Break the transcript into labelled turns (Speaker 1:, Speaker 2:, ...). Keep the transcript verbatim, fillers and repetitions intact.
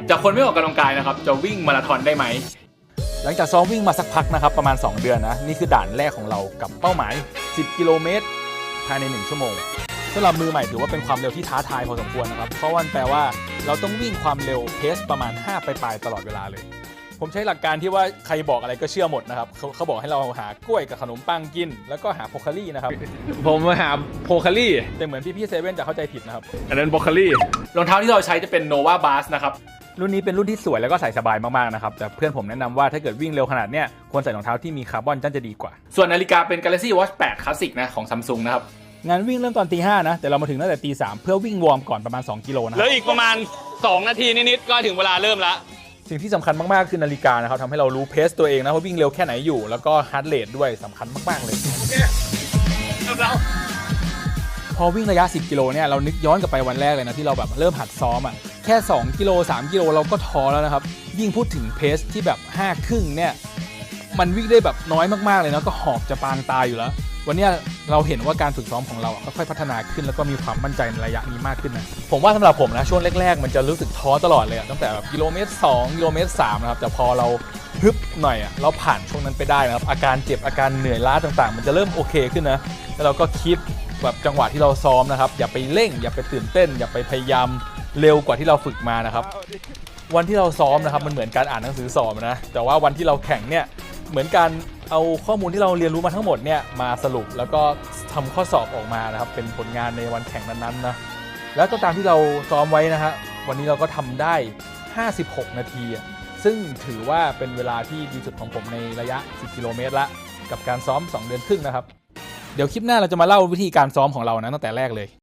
Speaker 1: จากคนไม่ออกกำลังกายนะครับจะวิ่งมาราธอนได้ไหมหลังจากซ้อมวิ่งมาสักพักนะครับประมาณสองเดือนนะนี่คือด่านแรกของเรากับเป้าหมายสิบกิโลเมตรภายในหนึ่งชั่วโมงสำหรับมือใหม่ถือว่าเป็นความเร็วที่ท้าทายพอสมควรนะครับเพราะว่าแปลว่าเราต้องวิ่งความเร็วเพสประมาณห้าปลายๆตลอดเวลาเลยผมใช้หลักการที่ว่าใครบอกอะไรก็เชื่อหมดนะครับเขาเขาบอกให้เราหากล้วยกับขนมปังกินแล้วก็หาโพคารี่นะครับ
Speaker 2: ผมมาหาโพคารี่
Speaker 1: แต่เหมือนพี่ๆเซเว่นจะเข้าใจผิดนะครับ
Speaker 2: อันนั้นโพคารี่
Speaker 1: รองเท้าที่เราใช้จะเป็น Nova Blast นะครับรุ่นนี้เป็นรุ่นที่สวยแล้วก็ใส่สบายมากๆนะครับแต่เพื่อนผมแนะนำว่าถ้าเกิดวิ่งเร็วขนาดเนี้ยควรใส่รองเท้าที่มีคาร์บอนน่าจะดีกว่าส่วนนาฬิกาเป็น Galaxy Watch แปด Classic นะของ Samsung นะครับงานวิ่งเริ่มตอนตีห้านะแต่เรามาถึงตั้งแต่ตีสามเพื่อวิ่งวอร์มก่อนประมาณสองกิโลนะ
Speaker 2: แล้วอีกประมาณสองนาทีนิดๆก็ถึงเวลาเริ่มละ
Speaker 1: สิ่งที่สำคัญมากๆคือนาฬิกานะครับทำให้เรารู้เพสตัวเองนะว่าวิ่งเร็วแค่ไหนอยู่แล้วก็ฮาร์ทเรทด้วยสำคัญมากๆเลยพอวิ่งระยะสิบกิโลเนี่ยเรานึกย้อนกลับไปวันแรกเลยนะที่เราแบบเริ่มหัดซ้อมอ่ะแค่สองกิโลสามกิโลเราก็ท้อแล้วนะครับยิ่งพูดถึงเพสที่แบบห้าครึ่งเนี่ยมันวิ่งได้แบบน้อยมากๆเลยนะก็หอบจะปางตายอยู่แล้ววันนี้เราเห็นว่าการฝึกซ้อมของเราค่อยๆพัฒนาขึ้นแล้วก็มีความมั่นใจในระยะนี้มากขึ้นนะผมว่าสำหรับผมนะช่วงแรกๆมันจะรู้สึกท้อตลอดเลยตั้งแต่แบบกิโลเมตรสองกิโลเมตรสามนะครับแต่พอเราฮึบหน่อยอ่ะเราผ่านช่วงนั้นไปได้นะครับอาการเจ็บอาการเหนื่อยล้าต่างๆมันจะเริ่มโอเคขึ้นนะแล้วเราก็คิดแบบจังหวะที่เราซ้อมนะครับอย่าไปเร่งอย่าไปตื่นเต้นอย่าไปพยายามเร็วกว่าที่เราฝึกมานะครับวันที่เราซ้อมนะครับมันเหมือนการอ่านหนังสือสอบนะแต่ว่าวันที่เราแข่งเนี่ยเหมือนการเอาข้อมูลที่เราเรียนรู้มาทั้งหมดเนี่ยมาสรุปแล้วก็ทำข้อสอบออกมานะครับเป็นผลงานในวันแข่งนั้นๆนะแล้วก็ตามที่เราซ้อมไว้นะฮะวันนี้เราก็ทำได้ห้าสิบหกนาทีซึ่งถือว่าเป็นเวลาที่ดีสุดของผมในระยะสิบกิโลเมตรละกับการซ้อมสองเดือนครึ่งนะครับเดี๋ยวคลิปหน้าเราจะมาเล่าวิธีการซ้อมของเรานะตั้งแต่แรกเลย